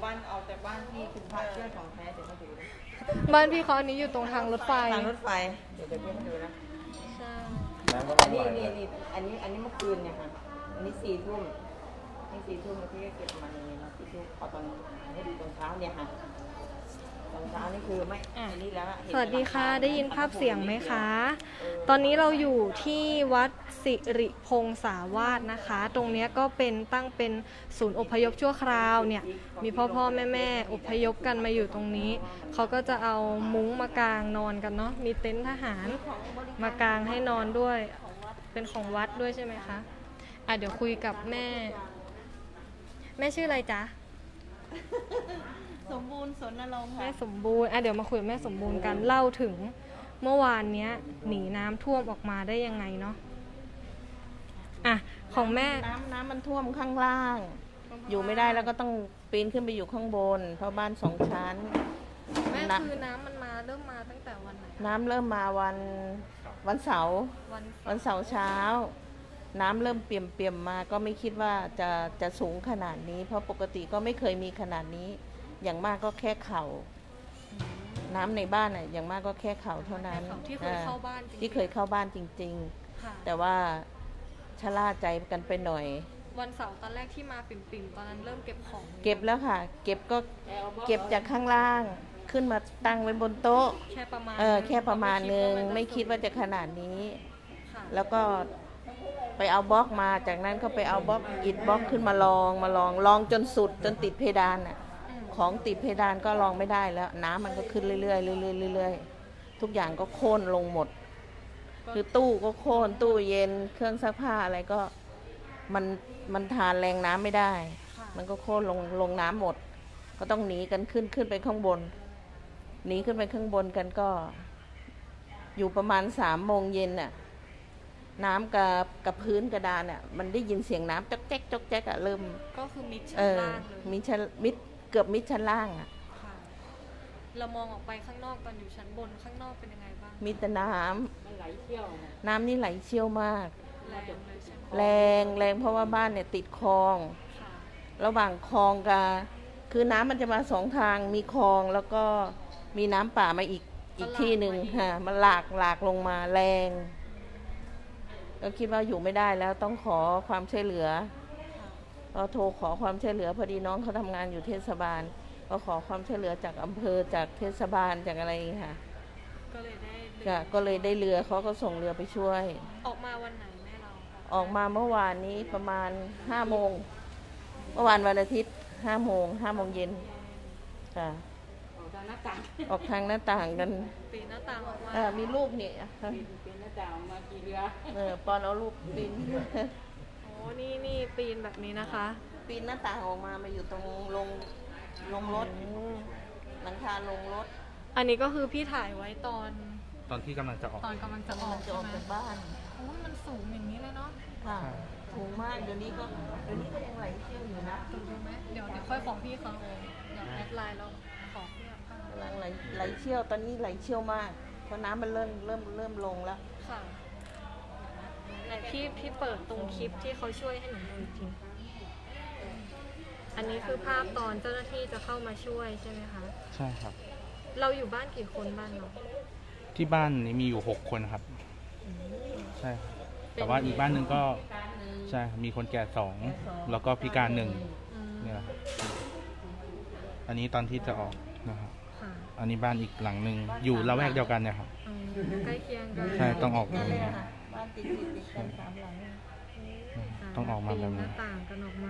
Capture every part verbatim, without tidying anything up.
บ้านเอาแต่บ้านที่คุณพระเชื่อของแท้เดี๋ยวมาดูนะบ้านพี่เขาอันนี้อยู่ตรงทางรถไฟทางรถไฟเดี๋ยวจะเรียกให้ดูนะใช่อันนี้นี่นี่อันนี้อันนี้เมื่อคืนเนี่ยค่ะอันนี้สี่ทุ่มนี่สี่ทุ่มแล้วพี่ก็เก็บมาอย่างนี้นะสี่ทุ่มพอตอนให้ดูตอนเช้าเนี่ยค่ะตอนเช้านี่คือไม่อันนี้แล้วสวัสดีค่ะได้ยินภาพเสียงไหมคะ ตอนนี้เราอยู่ที่วัดสิริพงษาวาสนะคะ ตรงนี้ก็เป็นตั้งเป็นศูนย์อพยพชั่วคราวเนี่ยมีพ่อพ่อแม่แม่อพยพกันมาอยู่ตรงนี้เขาก็จะเอามุ้งมากางนอนกันเนาะมีเต็นท์ทหารมากางให้นอนด้วยเป็นของวัดด้วยใช่ไหมคะอ่ะเดี๋ยวคุยกับแม่แม่ชื่ออะไรจ๊ะสมบูรณ์สนนรงค์ค่ะแม่สมบูรณ์อ่ะเดี๋ยวมาคุยกับแม่สมบูรณ์กันเล่าถึงเมื่อวานเนี้ยหนีน้ำท่วมออกมาได้ยังไงเนาะอ่ะของแม่น้ำน้ำมันท่วมข้างล่าง อยู่ไม่ได้แล้วก็ต้องปีนขึ้นไปอยู่ข้างบน เพราะบ้านสองชั้นแม่นะคือน้ำมันมาเริ่มมาตั้งแต่วันไหนน้ำเริ่มมาวันวันเสาร์วันวันเสาร์เช้า น้ำเริ่มเปี่ยมเปี่ยมมาก็ไม่คิดว่าจะจะสูงขนาดนี้ เพราะปกติก็ไม่เคยมีขนาดนี้ อย่างมากก็แค่เข่า น้ำในบ้านอ่ะอย่างมากก็แค่เข่าเท่านั้นที่เคยเข้าบ้านจริงๆที่เคยเข้าบ้านจริงค่ะๆ แต่ว่าชะล่าใจกันไปหน่อยวันเสาร์ตอนแรกที่มาปิ่มๆตอนนั้นเริ่มเก็บของเก็บแล้วค่ะ เก็บก็เก็บจากข้างล่างขึ้นมาตั้งไว้บนโต๊ะแค่ประมาณเออแค่ประมาณนึงไม่คิดว่าจะขนาดนี้ค่ะแล้วก็ไปเอาบล็อกมาจากนั้นก็ไปเอาบล็อกอิฐบล็อกขึ้นมาลองมาลองลองจนสุดจนติดเพดานอ่ะอืมของติดเพดานก็ลองไม่ได้แล้ว น้ำมันก็ขึ้นเรื่อยๆเรื่อยๆเรื่อยๆทุกอย่างก็โค่นลงหมด คือตู้ก็โค่นตู้เย็นเครื่องซักผ้าอะไรก็มันมันทานแรงน้ำไม่ได้ค่ะมันก็โค่นลงลงน้ำหมด ก็ต้องหนีกันขึ้นขึ้นไปข้างบนหนีขึ้นไปข้างบนกันก็ อยู่ประมาณสามโมงเย็นน่ะน้ำกับกับพื้นกระดานอ่ะมันได้ยินเสียงน้ำจ๊อกแจ๊กจ๊อกแจ๊กอ่ะเริ่มก็คือมิดชั้เอน อล่างเลยมีชั้นมิดเกือบมิดชั้นล่างอ่ะค่ะ เรามองออกไปข้างนอกตอนอยู่ชั้นบนข้างนอกเป็นยังไงบ้างมีแต่น้ำมันไหลเชี่ยวนะน้ำนี่ไหลเชี่ยวมากแรงเลยใช่ไหมแรงแรงเพราะว่าบ้านเนี่ยติดคลองค่ะระหว่างคลองกับคือน้ำมันจะมาสองทางมีคลองแล้วก็มีน้ำป่ามาอีกอีกที่หนึ่งค่ะมันหลากหลากลงมาแรงก็คิดว่าอยู่ไม่ได้แล้วต้องขอความช่วยเหลือค่ะเราโทรขอความช่วยเหลือพอดีน้องเขาทำงานอยู่เทศบาล ก็ขอความช่วยเหลือจากอำเภอจากเทศบาลจากอะไรอย่างเงี้ยค่ะก็เลยได้เรือก็ก็เลยได้เรือเขาก็ส่งเรือไปช่วยออกมาวันไหนแม่เราออกมาเมื่อวานนี้ประมาณห้าโมงเมื่อวานวันอาทิตย์ห้าโมงห้าโมงเย็นค่ะออกทางหน้าต่างออกทางหน้าต่างกันปีนหน้าต่างออกมาเออมีรูปนี่ปีนปีนหน้าต่างออกมากี่เรือเออปอนเอารูปปีนโอ้นี่นี่ปีนแบบนี้นะคะปีนหน้าต่างออกมามาอยู่ตรงลงลงรถหลังคาลงรถอันนี้ก็คือพี่ถ่ายไว้ตอนตอนที่กำลังจะออกตอนกำลังจะออกจะออกใช่จากไหมบ้านโอ้มันสูงอย่างนี้เลยเนาะค่ะถูกมากเดี๋ยวนี้ก็เดี๋ยวนี้ก็ยังไหลเชี่ยวอยู่นะดูดูไหมเดี๋ยวเดี๋ยวค่อยของพี่เขาเดี๋ยวแอดไลน์เราขอพี่เขากำลังไหลไหลเชี่ยวตอนนี้ไหลเชี่ยวมากเพราะน้ำมันเริ่มเริ่มเริ่มลงแล้วค่ะไหนพี่พี่เปิดตรงคลิปที่เขาช่วยให้หนูดูอีกทีอันนี้คือภาพตอนเจ้าหน้าที่จะเข้ามาช่วยใช่ไหมคะใช่ครับเราอยู่บ้านกี่คนบ้านเราที่บ้านนี้มีอยู่หกคนครับ ใช่ครับแต่ว่าอีกบ้านหนึ่งก็ใช่ครับมีคนแก่สองแล้วก็พิการหนึ่งอืมเนี่ยนะครับอันนี้ตอนที่จะออกนะครับค่ะอันนี้บ้านอีกหลังหนึ่งอยู่ละแวกเดียวกันเนี่ยครับอืมใกล้เคียงกันใช่ต้องออกตรนั่นงเลยนี้ค่ะบ้านติดติดติดกันสามหลังต้องออกมาแบบนี้ปีนหน้าต่างกันออกมา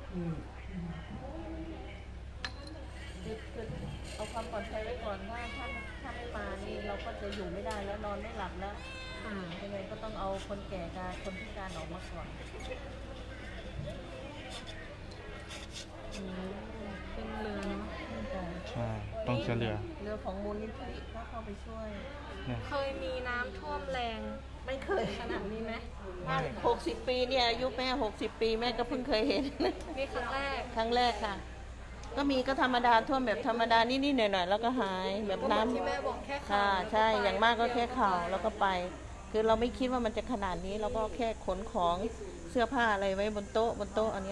ติดคือเอาความปลอดภัยไว้ก่อนว่าถ้าถ้าไม่มานี่เราก็จะอยู่ไม่ได้แล้วนอนไม่หลับแล้วค่ะยังไงก็ต้องเอาคนแก่กับคนพิการออกมาก่อนอืมเป็นเรือเนาะใช่ต้องเฉลี่ยเรือของมูลนิธิก็เข้าไปช่วยเนี่ยเคยมีน้ำท่วมแรงไม่เคยขนาดนี้ไหมหกสิบปีเนี่ยอายุแม่หกสิบปีแม่ก็เพิ่งเคยเห็นนี่ครั้งแรกครั้งแรกค่ะ ก็มีก็ธรรมดาท่วมแบบธรรมดานิดๆหน่อยๆแล้วก็หายแบบก็เหมือนที่น้ำแม่บอกแค่ข่าค่ะวใช่อย่างมากก็แค่เข่าแล้วก็ไป คือเราไม่คิดว่ามันจะขนาดนี้เราก็แค่ขนของเสื้อผ้าอะไรไว้บนโต๊ะบนโต๊ะอันเนี้ยค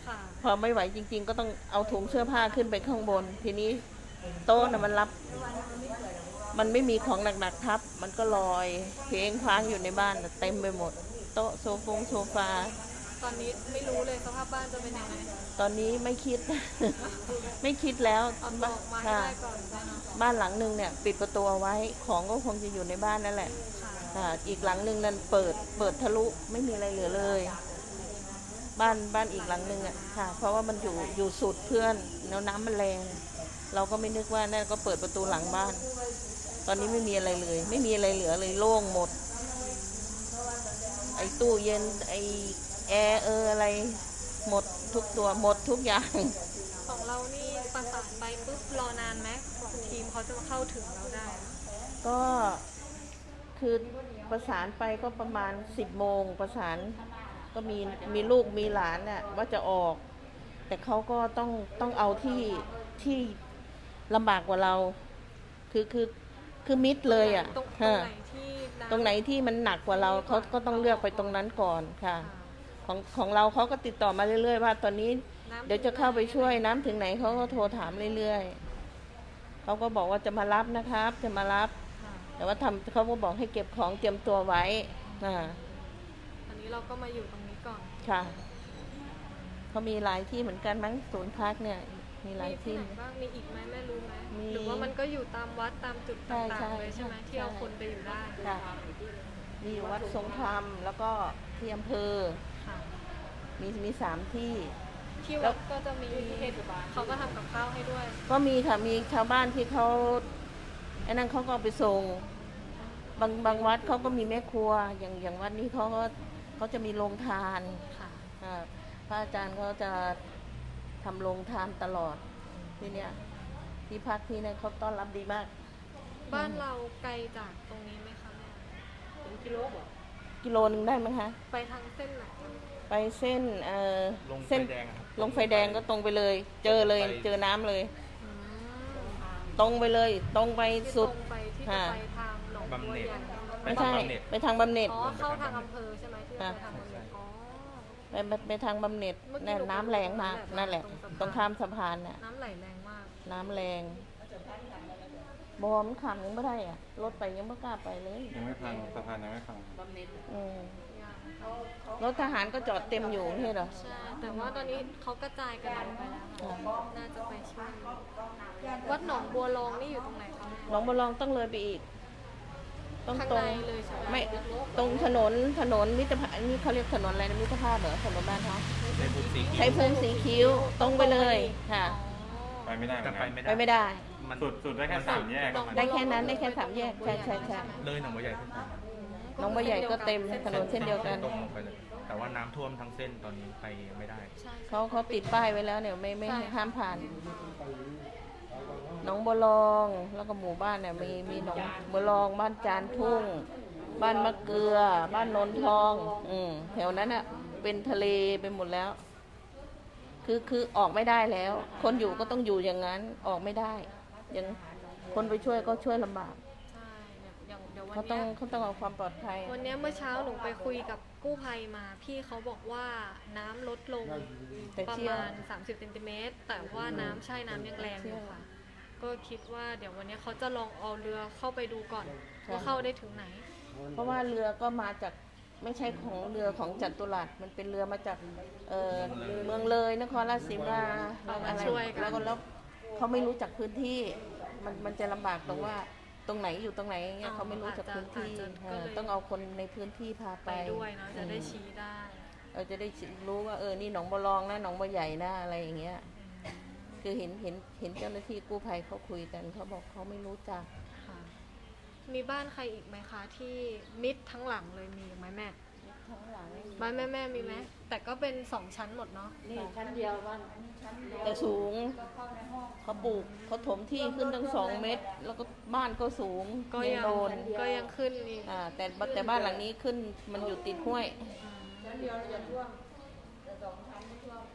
ค่ะพอไม่ไหวจริง ๆ ก็ต้องเอาถุงเสื้อผ้าขึ้นไปข้างบน ทีนี้โต๊ะน่ะมันรับ มันไม่มีของหนักๆทับ มันก็ลอยเพลงคว้างอยู่ในบ้านน่ะเต็มไปหมด โต๊ะโซฟงโซฟาตอนนี้ไม่รู้เลยสภาพบ้านจะเป็นยังไงตอนนี้ไม่คิด ไม่คิดแล้วเอาตัวออกมาให้ค่ะได้ก่อนนะเนาะบ้านหลังหนึ่งเนี่ยปิดประตูเอาไว้ ของก็คงจะอยู่ในบ้านนั่นแหละค่ะค่ะอีกหลังหนึ่งนั้นเปิดเปิดทะลุไม่มีอะไรเหลือเลย บ้านบ้านอีกหลังหนึ่งอ่ะค่ะ เพราะว่ามันอยู่อยู่สุดเพื่อนแล้วน้ำมันแรง เราก็ไม่นึกว่านั่นก็เปิดประตูหลังบ้าน ตอนนี้ไม่มีอะไรเลย ไม่มีอะไรเหลือเลยโล่งหมด ไอ้ตู้เย็นไอ้แอร์เอออะไร หมดทุกตัวหมดทุกอย่างของเรานี่ประสานไปปุ๊บรอนานไหมกว่าทีมเขาจะมาเข้าถึงเราได้อะก็คือประสานไปก็ประมาณสิบโมงประสานก็มีมีลูกมีหลานน่ะว่าจะออก แต่เขาก็ต้องต้องเอาที่ที่ลำบากกว่าเรา คือคือคือมิดเลยอ่ะตรงตรงฮะไหนที่น้ำตรงไหนที่มันหนักกว่าเราเขาก็ต้องเลือกไปตรงนั้นก่อนค่ะค่ะของของเราเขาก็ติดต่อมาเรื่อยๆว่าตอนนี้น้ำเดี๋ยวจะเข้าไปช่วยน้ำถึงไหนเขาก็โทรถามเรื่อยๆเขาก็บอกว่าจะมารับนะครับ จะมารับค่ะแต่ว่าทำเขาก็บอกให้เก็บของเตรียมตัวไว้อ่าอันนี้เราก็มาอยู่ตรงนี้ก่อนค่ะเขามีหลายที่เหมือนกันมั้งศูนย์พักเนี่ย มีหลายมีที่ที่ไหนบ้างมีอีกไหมแม่รู้ไหมมีหรือว่ามันก็อยู่ตามวัดตามจุดใช่ต่างใช่ๆเลยใช่ไหมใช่ที่เอาคนไปอยู่ได้ค่ะมีอยู่วัดทรงธรรมแล้วก็ที่อำเภอค่ะมีมีสามที่ที่วัดก็จะมีเขาก็ทำกับข้าวให้ด้วยก็มีค่ะมีชาวบ้านที่เขาไอ้นั่นเขาก็เอาไปส่งบางบางวัดเขาก็มีแม่ครัว อย่างอย่างวัดนี้เขาก็เขาจะมีโรงทานค่ะอ่าพระอาจารย์เขาจะทำโรงทานตลอดที่เนี้ยที่พักที่นั่นเขาต้อนรับดีมากบ้านเราไกลจากตรงนี้ไหมคะแม่ถึงกิโลบ่กิโลนึงได้ไหมคะไปทางเส้นไหนไปเส้นเอ่อลงไฟเส้นแดงอะครับลงไฟแดงก็ตรงไปเลย เจอเลยไปเจอน้ำเลยอืมตรงไปเลย ตรงไปที่สุดตรงไปที่จะค่ะไปทางหนองบับำวเหน็จใหญ่ไม่ใช่ไปทางบำเหน็จไปทางบำเหน็จอ๋อเข้าทางอำเภอใช่ไหมที่จะไปทางบำเหน็จอ๋อไปไปไปทางบำเหน็จเมื่อกี้นั่นหนูน้ำแรงมากไปดูนั่นแหละตรงสะพานตรงข้ามสะพานน่ะน้ำไหลแรงมากน้ำแรงบอมนขำยังไม่ได้อ่ะ รถไปยังไม่กล้าไปเลยยังไม่พังสะพานยังไม่พังบำเหน็จอืมยังรถทหารก็จอดเต็มอยู่ไม่ใช่เหรอใช่ แต่ว่าตอนนี้เขากระจายกันออกไปแล้วค่ะน่าจะไปช่วยวัดหนองบัวรองนี่อยู่ตรงไหนคะแม่หนองบัวลองต้องเลยไปอีก ต้องข้างตรในงเลยใช่ไหมไม่ตรงถนนถนนมิตรภาพนี่เขาเรียกถนนอะไรนะมิตรภาพเหรอถนนบ้านเขาในภูสีใช้ภูมิสีคิ้วตรงไปเลยค่ะไปไม่ได้เหมืแต่อนไปกันไม่ไปได้ไม่ได้มันสุดสุดได้แค่สามแยกอะมันได้แค่นั้นได้แค่สามแยกใช่ใช่ใช่เลยหนองบัวใหญ่ขึ้นไปน้องบัวใหญ่ก็เต็มถนนเส้นเดียวกันตรงลงไปเลย แต่ว่าน้ำท่วมทั้งเส้นตอนนี้ไปไม่ได้ใช่เขาเขาติดป้ายไว้แล้วเนี่ยไม่ไม่ใช่ห้ามผ่านหน้องบัวลองแล้วก็หมู่บ้านเนี่ยมีมีหนองบัวลองบ้านจานทุ่ง บ้านมะเกลือ บ้านนนทอง อืมแถวนั้นอ่ะเป็นทะเลไปหมดแล้ว คือคือออกไม่ได้แล้ว คนอยู่ก็ต้องอยู่อย่างนั้นออกไม่ได้ยังคนไปช่วยก็ช่วยลำบากใช่เนี่ยอย่างเดี๋ยววันเขาต้อเนี้งยเขาต้องเอาความปลอดภัยวันเนี้ยเมื่อเช้าหนูไปคุยกับกู้ภัยมา พี่เขาบอกว่าน้ำลดลงแต่ประเชี่ยวมาณ สามสิบเซนติเมตร แต่ว่าน้ำใช่น้ำยังแรงอยู่ค่ะ ก็คิดว่าเดี๋ยววันเนี้ยเขาจะลองเอาเรือเข้าไปดูก่อนว่าเข้าได้ถึงไหนเพราะว่าเรือก็มาจากไม่ใช่ของเรือของจัตุรัสมันเป็นเรือมาจากเอ่อเมืองเลยนครราชสีมาแล้วอะไรช่วยกันแล้วก็แล้วเขาไม่รู้จักพื้นที่ มันมันจะลำบากตรงว่าตรงไหนอยู่ตรงไหนเงี้ยเขาไม่รู้จักพื้นที่เออต้องเอาคนในพื้นที่พาไปไปด้วยเนาะจะได้ชี้ได้เออจะได้รู้ว่าเออนี่หนองบัวรองนะหนองบัวใหญ่นะอะไรอย่างเงี้ย คือเห็นเห็นเห็นเจ้าหน้าที่กู้ภัยเขาคุยกันเขาบอกเขาไม่รู้จักค่ะ มีบ้านใครอีกไหมคะ ที่มิดทั้งหลังเลยมีอีกไหมแม่ บ้านแม่แม่มีไหมแต่ก็เป็นสองชั้นหมดเนาะนี่ชั้นเดียวบ้านชั้นเดียวแต่สูงเขาปลูกเขาถมที่ขึ้นตั้งสองเมตร แล้วก็บ้านก็สูงก็ยังโดนก็ยังขึ้นอีกอ่าแต่แต่บ้านหลังนี้ขึ้นมันอยู่ติดห้วยชั้นเดียวเราจะท่วมแต่สองชั้นไม่ท่วม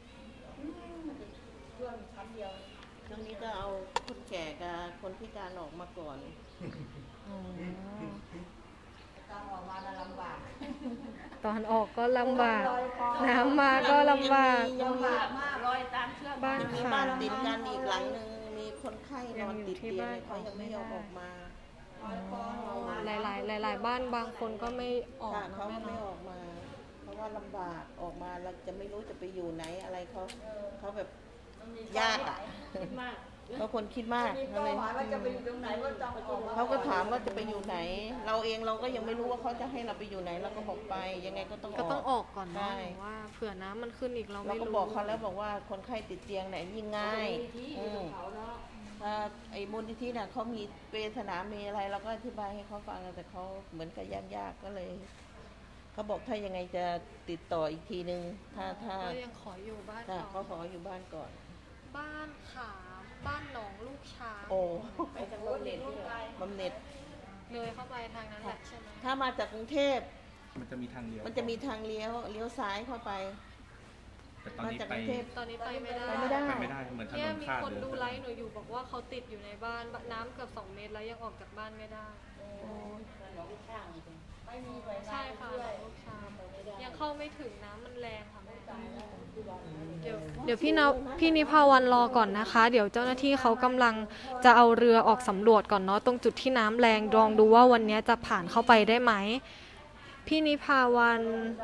ท่วมชั้นเดียวช่วงนี้ก็เอาคนแก่กับคนพิการออกมาก่อนตอนออกมาน่ะลำบากตอนออกก็ลำบาก น้ำมาก็ลำบากยังมีมากลอยตามเชือกบ้านยังมีขาบ้านติดกันอีกหลังหนึ่งมีคนไข้นยัอง นอยู่ติดที่เตียงบ้านเลยเขายังไม่ยอมออกมาหลายๆหลาย ๆ บ้านบางคนก็ไม่ออกค่ะนะเขาแม่ไม่เนาะออกมา เพราะว่าลำบากออกมาเราจะไม่รู้จะไปอยู่ไหนอะไรเขาเขาแบบยากอ่ะคิดมากเขาคนคิดมากมีเขาเป้าเลยหมายว่าจะไปอยู่ตรงไหนว่าต้องออกเขาก็ถามว่าจะไปอยู่ไหน เราเองเราก็ยังไม่รู้ว่าเขาจะให้เราไปอยู่ไหนเราก็บอกไปยังไงก็ต้องก็ต้องอออกอกก่อนใช่เนาะหนูว่าเผื่อน้ำมันขึ้นอีกเราเราไม่ก็รู้บอกเขาแล้วบอกว่าคนไข้ติดเตียงไหนยิ่งง่ายที่อืมเขาเนาะถ้าไอ้มูลนิธิน่ะเขามีเปรย์สนามมีอะไรเราก็อธิบายให้เขาฟังแต่เขาเหมือนกับยากๆก็เลยเขาบอกถ้ายังไงจะติดต่ออีกทีนึง ถ้าถ้าก็ยังขออยู่บ้านถ้าก่เขาอนขออยู่บ้านก่อนบ้านขาม บ้านหนองลูกช้างโอ้ไปทางบำเหน็จด้วยบำเหน็จเลยเข้าไปทางนั้นแหละใช่ไหมถ้ามาจากกรุงเทพมันจะมีทางเดียวมันจะมีทางเลี้ยวเลี้ยวซ้ายเข้าไปแต่ตอนมานี้จากไปกรุงเทพตอนนี้ไปไม่ได้ไปไม่ได้ไปไม่ได้เหมือนถนเนี่ยนมีขาดคนเลยดูไลฟ์หนูอยู่บอกว่าเขาติดอยู่ในบ้านน้ำเกือบสองเมตรแล้วยังออกจากบ้านไม่ได้หลวงช่างไม่มีไฟฟ้าใช่ค่ะหนองลูกช้างยังเข้าไม่ถึงน้ำมันแรงค่ะแม่เดี๋ยวเดี๋ยวพี่นพี่นิพาวันรอก่อนนะคะ เดี๋ยวเจ้าหน้าที่เขากำลังจะเอาเรือออกสำรวจก่อนเนาะตรงจุดที่น้ำแรงลองดูว่าวันนี้จะผ่านเข้าไปได้ไหมพี่นิพาวัน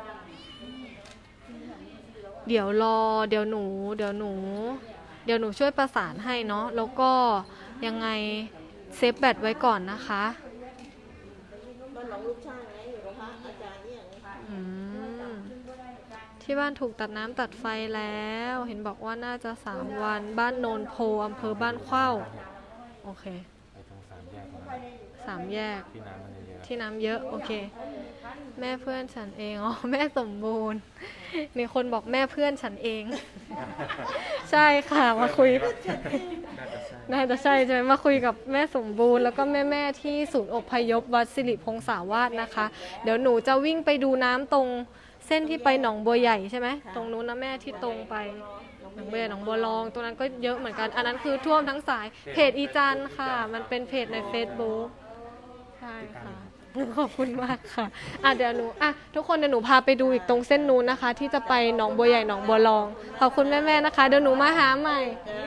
เดี๋ยวรอเดี๋ยวหนู เดี๋ยวหนู เดี๋ยวหนูช่วยประสานให้เนาะแล้วก็ยังไงเซฟแบตไว้ก่อนนะคะบ้านหนองลูกช่างไงอยู่กับพระอาจารย์เนี่ยอืมที่บ้านถูกตัดน้ำตัดไฟแล้ว เห็นบอกว่าน่าจะสามวันบ้านโนนโพอำเภอบ้านเข้าโอเคไปตรงสามแยกนะสามแยกที่น้ำมันเยอะที่น้ำเยอะโอเค แม่เพื่อนฉันเองอ๋อแม่สมบูรณ์มีคนบอกแม่เพื่อนฉันเอง ใช่ค่ะมาคุยๆน่าจะใช่น่าจะใช่ใช่ไหมมาคุยกับแม่สมบูรณ์แล้วก็แม่ๆที่ศูนย์อพยพวัดสิริพงษาวาสนะคะ เดี๋ยวหนูจะวิ่งไปดูน้ำตรงเส้นที่ไปหนองบัวใหญ่ใช่ไหมตรงนู้นนะแม่ที่ตรงไปหนองบัวใหญ่หนองบัวรองตรงนั้นก็เยอะเหมือนกัน อันนั้นคือท่วมทั้งสายเพจอีจันค่ะ มันเป็นเพจใน Facebook ใช่ค่ะขอบคุณมากค่ะอ่ะเดี๋ยวหนูอ่ะทุกคนเดี๋ยวหนูพาไปดูอีกตรงเส้นนู้นนะคะ ที่จะไปหนองบัวใหญ่หนองบัวรองขอบคุณแม่ๆนะคะเดี๋ยวหนูมาหาใหม่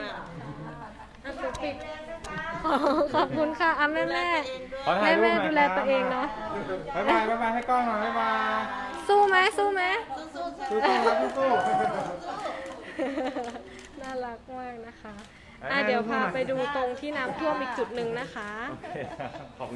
ขอบคุณค่ะอ่ะแม่แม่ขอแม่ถ่ายรูปแม่หน่อยดูแลตัวเองเนาะบ๊ายบายบ๊ายบายให้กล้องหน่อยบ๊ายบายสู้ไหมสู้ไหมสู้ๆครับสู้ๆน่ารักมากนะคะอ่ะเดี๋ยวพาไปดูตรงที่น้ำท่วมอีกจุดหนึ่งนะคะโอเคครับขอบคุณ